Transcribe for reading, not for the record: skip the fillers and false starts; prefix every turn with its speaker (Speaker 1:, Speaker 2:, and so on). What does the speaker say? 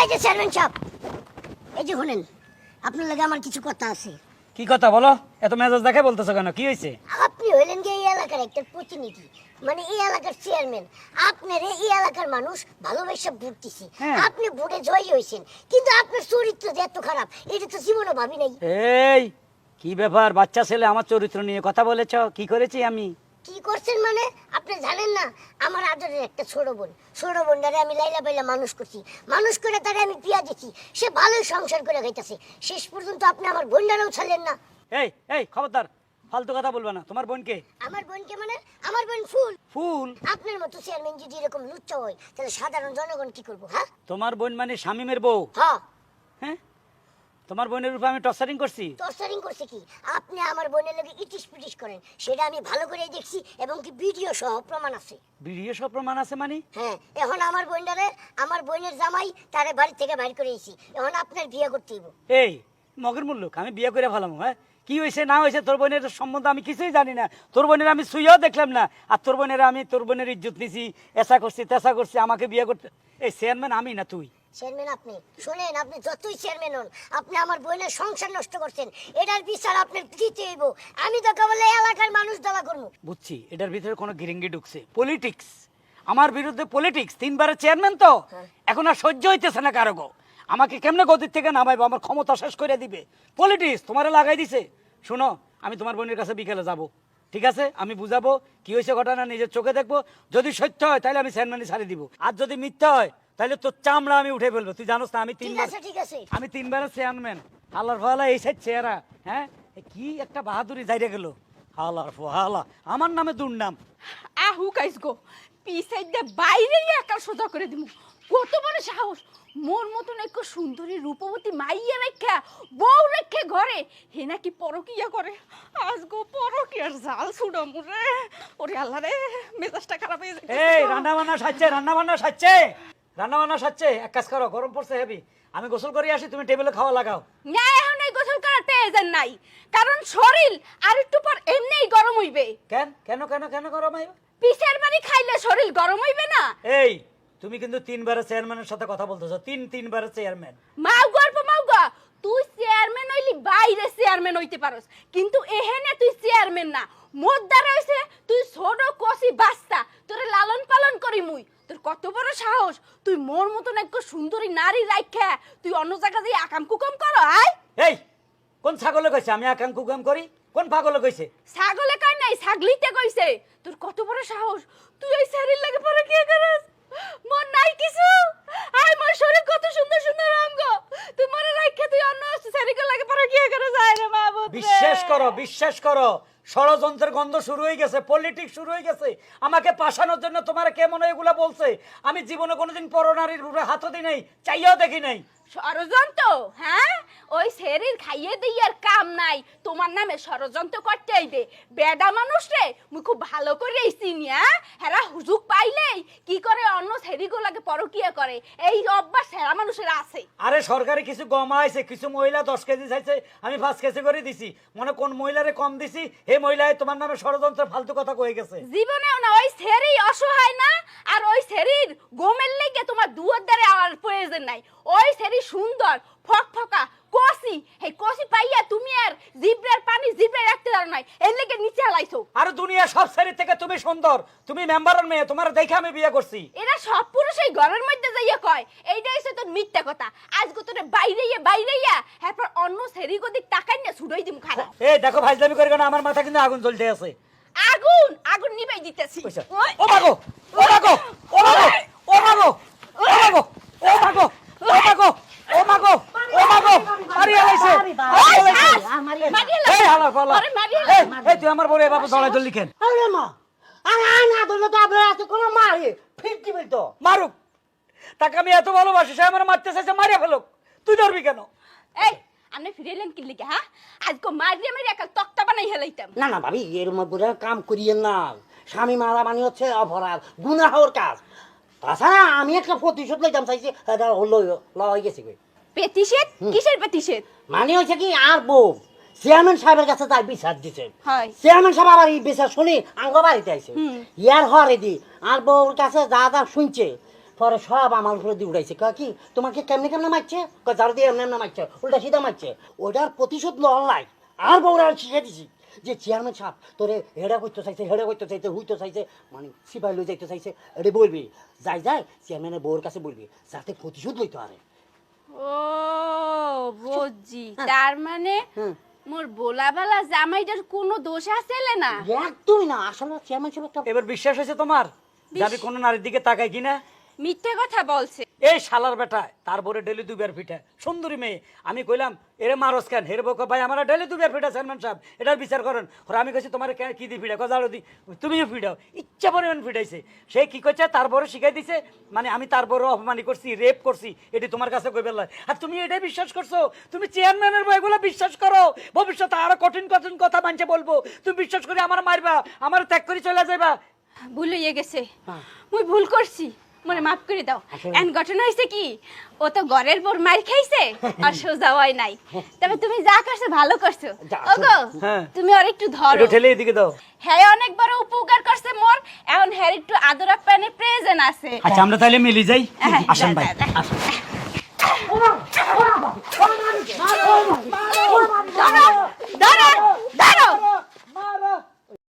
Speaker 1: যে চেয়ারম্যান সাহেব, এই যে শুনেন, আপনার লাগে আমার কিছু কথা আছে।
Speaker 2: কি কথা বলো? এত মেজাজ দেখে বলতেছো কেন? কি হয়েছে?
Speaker 1: আপনি হইলেন যে এই এলাকার একটা প্রতিনিধি, মানে এই এলাকার চেয়ারম্যান। আপনার এই এলাকার মানুষ ভালোবেসে ভোট দিছে, আপনি ভোটে জয়ী হয়েছেন, কিন্তু আপনার চরিত্র যে এত খারাপ এটা তো জীবনে ভাবি নাই।
Speaker 2: এই কি ব্যাপার? বাচ্চা ছেলে আমার চরিত্র নিয়ে কথা বলেছ? কি করেছি আমি?
Speaker 1: কি করছেন মানে? আপনি জানেন না, আমার আদরের একটা ছোট বোনটারে আমি লাইলা পাইলা মানুষ করছি, মানুষ করে তারে আমি বিয়া দিচ্ছি, সে ভালোই সংসার করে খাইতেছে। শেষ পর্যন্ত আপনি আমার বোনটারেও ছাড়লেন না।
Speaker 2: এই এই খবরদার, ফালতু কথা বলবা না। তোমার বোনকে?
Speaker 1: আমার বোনকে মানে? আমার বোন ফুল।
Speaker 2: ফুল?
Speaker 1: আপনার মতো চেয়ারম্যান যদি এরকম লুচ্চা হয় তাহলে সাধারণ জনগণ কি করবো? হ্যাঁ,
Speaker 2: তোমার বোন মানে শামিমের বউ?
Speaker 1: হ্যাঁ।
Speaker 2: হ্যাঁ, তোমার বোনের উপর আমি টর্চারিং করছি?
Speaker 1: টর্চারিং করছে কি? আপনি আমার বোনের লগে ইটিস পিটিস করেন, সেটা আমি ভালো করেই দেখছি, এবং কি ভিডিও সহ প্রমাণ আছে।
Speaker 2: ভিডিও সব প্রমাণ আছে মানে?
Speaker 1: হ্যাঁ, এখন আমার বোনটারে, আমার বোনের জামাই তারে বাড়ি থেকে বাইর করে এসেছি, এখন আপনার বিয়ে করতে হইব।
Speaker 2: এই মগের মুল্লুক, আমি বিয়ে করে ফেলাম? হ্যাঁ, কি হয়েছে না হয়েছে তোর বোনের সম্বন্ধে আমি কিছুই জানি না। তোর বোনের আমি সুইয়াও দেখলাম না, আর তোর বোনের আমি তোর বোনের ইজ্জত নিছি, এসা করছি তেসা করছি, আমাকে বিয়ে করতে। এই চেয়ারম্যান আমি না তুই?
Speaker 1: চেয়ারম্যান আপনি। শোনেন, আপনি যতই চেয়ারম্যান হন, আপনি আমার বোনের সংসার নষ্ট করছেন, এটার বিচার আপনার দিতে হইব। আমি তো কেবল এই এলাকার মানুষ দাবা করবো।
Speaker 2: বুঝছি, এটার ভিতরে কোনো গিরিঙ্গি ঢুকছে, পলিটিক্স। আমার বিরুদ্ধে পলিটিক্স, তিনবারের চেয়ারম্যান তো, এখন আর সহ্য হইতেছে না কারো গো। আমাকে কেমনে গদির থেকে নামাইবো? আমার ক্ষমতা শেষ করে দিবে। পলিটিক্স তোমারে লাগাই দিছে। শোনো, আমি তোমার বোনের কাছে বিকেলে যাব, ঠিক আছে? আমি বুঝাবো কি হয়েছে ঘটনা, নিজের চোখে দেখবো। যদি সত্য হয় তাহলে আমি চেয়ারম্যানই ছাড়ি দিব, আর যদি মিথ্যা হয় তাহলে তোর চামড়া আমি উঠে ফেলবো। তুই জানোস না আমি
Speaker 1: ঠিক আছে।
Speaker 2: আমি তিনবারের চেয়ারম্যান। হালার ফালা এই সাইড চেহারা, হ্যাঁ, কি একটা বাহাদুরি যাইরে গেল। হালার ফালা, আমার নামে দুর্নাম।
Speaker 3: আহু কাইস গো, পিছাই দে বাইরে একা সোজা করে দিমু। কত বড় সাহস! মোর মতন এক সুন্দরী রূপবতী মাইয়া রেখা, বউ রেখে ঘরে হে নাকি পরকিয়া করে। আজ গো পরকিয়ার জাল ছুড়ো মুরে। ওরে আল্লাহ রে, মেজাজটা খারাপ হয়ে যাচ্ছে।
Speaker 2: এই রান্না বান্না সাজছে, রান্না বান্না সাজছে। এক কাজ করো, গরম পড়ছে হেভি, আমি গোসল করে আসি, তুমি টেবিলে খাওয়া লাগাও।
Speaker 3: না, এখন এই গোসল করার প্রয়োজন নাই, কারণ শরীর আর একটু পর এমনিই গরম হইবে।
Speaker 2: কেন কেন কেন কেন গরম হইবে?
Speaker 3: পিছের বাড়ি খাইলে শরীর গরম হইবে না?
Speaker 2: এই তুমি কিন্তু তিনবারের চেয়ারম্যানের সাথে কথা বলতেছো। তিনবারের চেয়ারম্যান।
Speaker 3: মাও গল্প মাও গা, তুই চেয়ারম্যান হইলি বাইরে চেয়ারম্যান হইতে পারস, কিন্তু এহেনে তুই চেয়ারম্যান না। মোদ্দার হইছে তুই ছোট কষি বাচ্চা, তোরে লালন পালন করি মুই। তোর কত বড় সাহস, তুই মোর মতন এক সুন্দরী নারী রাইখা তুই অন্য জায়গা দিয়ে আকাম কুকাম করো? আয়
Speaker 2: এই কোন ছাগলে কইছে আমি আকাম কুকাম করি? কোন পাগলে কইছে?
Speaker 3: ছাগলে কয় নাই, ছাগলিতে কইছে। তোর কত বড় সাহস, তুই ওই শরীর লাগে পরে কি করস? মন নাই কিছু? আয়, মোর শরীর কত সুন্দর সুন্দর অঙ্গ, তুই মনে রাখে তুই অন্য শরীর লাগে পরে কি করস? আয় রে মাহবুব,
Speaker 2: বিশ্বাস করো, ষড়যন্ত্রের গন্ধ শুরু হয়ে গেছে, পলিটিক্স শুরু হয়ে গেছে। আমাকে পাশানোর জন্য তোমার কে মনে এগুলা বলছে? আমি জীবনে কোনোদিন পরনারীর রূপে হাতও দিই নাই, চাইয়াও দেখি নাই।
Speaker 3: ষড়যন্ত্র? হ্যাঁ, ওই শরীর খাইয়ে দিয়ার কাম নাই, তোমার নামে ষড়যন্ত্র করতে আইবে। বেডা মানুষ রে মুই খুব ভালো করে চিনি। হেরা হুজুক পাইলেই কি করে অন্য শরীরগুলোকে পরকিয়া করে, এই অভ্যাস হেরা মানুষের আছে।
Speaker 2: আরে সরকারি কিছু কমাইছে, কিছু মহিলা 10 কেজি চাইছে, আমি 5 কেজি করে দিছি। মনে কোন মহিলারে কম দিছি, এই মহিলায় তোমার নামে ষড়যন্ত্র ফালতু কথা কয়ে গেছে।
Speaker 3: জীবনেও না, ওই শরীর অসহায় না, আর ওই শরীর গোমের লেগে তোমার দুয়ার দ্বারে আর প্রয়োজন নাই। ওই শরীর সুন্দর ফকফকা কষি, হে কষি পাইয়া তুমি আর জিব্রার পানি জিব্রায় রাখতে পারো নাই, এর লেগে নিচে আলাইছো।
Speaker 2: আর দুনিয়া সব শরীর থেকে তুমি সুন্দর, তুমি মেম্বারের মেয়ে, তোমার দেখে আমি বিয়ে করছি।
Speaker 3: এরা সব পুরুষ এই ঘরের মধ্যে যাইয়া কয়, এইটা হইছে তোর মিথ্যা কথা। আজকে তোরে বাইরেইয়া এরপর অন্য শরীর গদিক টাকাই না ছুড়াই দিম খারাপ।
Speaker 2: এই দেখো ভাইজলামি করে কেন, আমার মাথা কিন্তু আগুন জ্বলতে আছে।
Speaker 3: আগুন নিবাই দিতেছি।
Speaker 2: ও মাগো, ও মাগো, ও মাগো, ও মাগো, ও মাগো, ও মাগো, ও মাগো, ও মাগো, ও মাগো, মারিয়া লাইছে। এই হালা ফালা, এই তুই আমার বড় বাবা দলাই দল লিখেন।
Speaker 4: আরে মা, আরে না দলে তো আপনার আছে কোন মারে ফিরতি বলতো
Speaker 2: মারুক, তাকে আমি এত ভালোবাসি, সে আমার মারতে চাইছে, মারিয়া ফেলুক। তুই ধরবি কেন?
Speaker 3: এই আপনি ফিরেলেন কি লিখে? হ্যাঁ, আজকে মারিয়া মেরে একটা তক্তা বানাই হেলাইতাম।
Speaker 4: না না ভাবি, এর মধ্যে কাম করিয়েন না। স্বামী মারা মানে হচ্ছে অপরাধ, গুনাহর কাজ। তাছাড়া আমি একটা প্রতিশোধ লইতাম চাইছি, এটা হয়ে গেছে।
Speaker 3: পেতিষেধ? কিসের পেতিষেধ?
Speaker 4: মানে হচ্ছে কি, আর বউ চেয়ারম্যান সাহেবের কাছে তাই বিচার দিছে।
Speaker 3: হয়
Speaker 4: চেয়ারম্যান সাহেব আবার এই বিচার শুনি আঙ্গ বাড়িতে আইছে। ইয়ার হরে দি আর বউর কাছে যা যা শুনছে, পরে সব আমার উপরে দিয়ে উঠাইছে কয় কি তোমাকে কেমনে কেমনে মারছে কয় ঝাড়ু দিয়ে এমনি এমনি মারছে উল্টা সিধা মারছে ওটার প্রতিশোধ লওয়ার লাই আর বউরা শিখে দিছি যে চেয়ারম্যান সাহেব তোরে হেডা করতে চাইছে হুইতে চাইছে মানে সিপাহি লই যাইতে চাইছে এটা বলবি যাই চেয়ারম্যানের বউর কাছে বলবি যাতে প্রতিশোধ লইতে পারে
Speaker 3: ও বুঝছি তার মানে মোর বোলাবালা জামাইটার কোনো দোষ আছে না?
Speaker 4: একদমই না আসলে চেয়ারম্যান সাহেব একটা
Speaker 2: এবার বিশ্বাস হয়েছে তোমার যে আমি কোনো নারীর দিকে তাকাই কিনা?
Speaker 3: মিথ্যে কথা বলছে।
Speaker 2: এই শালার বেটা তার বরে ডেলি দুবার পিঠা সুন্দরী মেয়ে আমি কইলাম এরে মারস কেন হেরে বউকে ভাই আমার ডেলি দুবার পিঠা চেয়ারম্যান সাহেব এটার বিচার করেন ওরা আমি কইছি তোমার কি দি পিঠা কজাড়ো দি তুমিও পিঠাও ইচ্ছা পরিমাণ পিঠাইছে সে কি করছে তার বড় শিখাই দিছে মানে আমি তার বড় অপমানি করছি রেপ করছি এটি তোমার কাছে কই বেলা আর তুমি এটাই বিশ্বাস করছো তুমি চেয়ারম্যানের বইগুলো বিশ্বাস করো ভবিষ্যতে আরো কঠিন কঠিন কথা মানছে বলবো তুমি বিশ্বাস করে আমার মারবা আমার ত্যাগ করে চলে যাইবা
Speaker 3: ভুল হয়ে গেছে মুই ভুল করছি মনে মাফ করে দাও এন্ড ঘটনা হয়েছে কি ও তো ঘরের পর মার খাইছে আর সোজা হয় নাই তবে তুমি যা করছো ভালো করছো ওগো তুমি আর একটু ধরো
Speaker 2: একটু ঠেলে এদিকে দাও
Speaker 3: হ্যাঁ অনেক বড় উপকার করছে মোর এখন হ্যাঁ একটু আদর আপ্যায়নের প্রয়োজন আছে
Speaker 2: আচ্ছা আমরা তাহলে মিলি যাই আসেন ভাই আসেন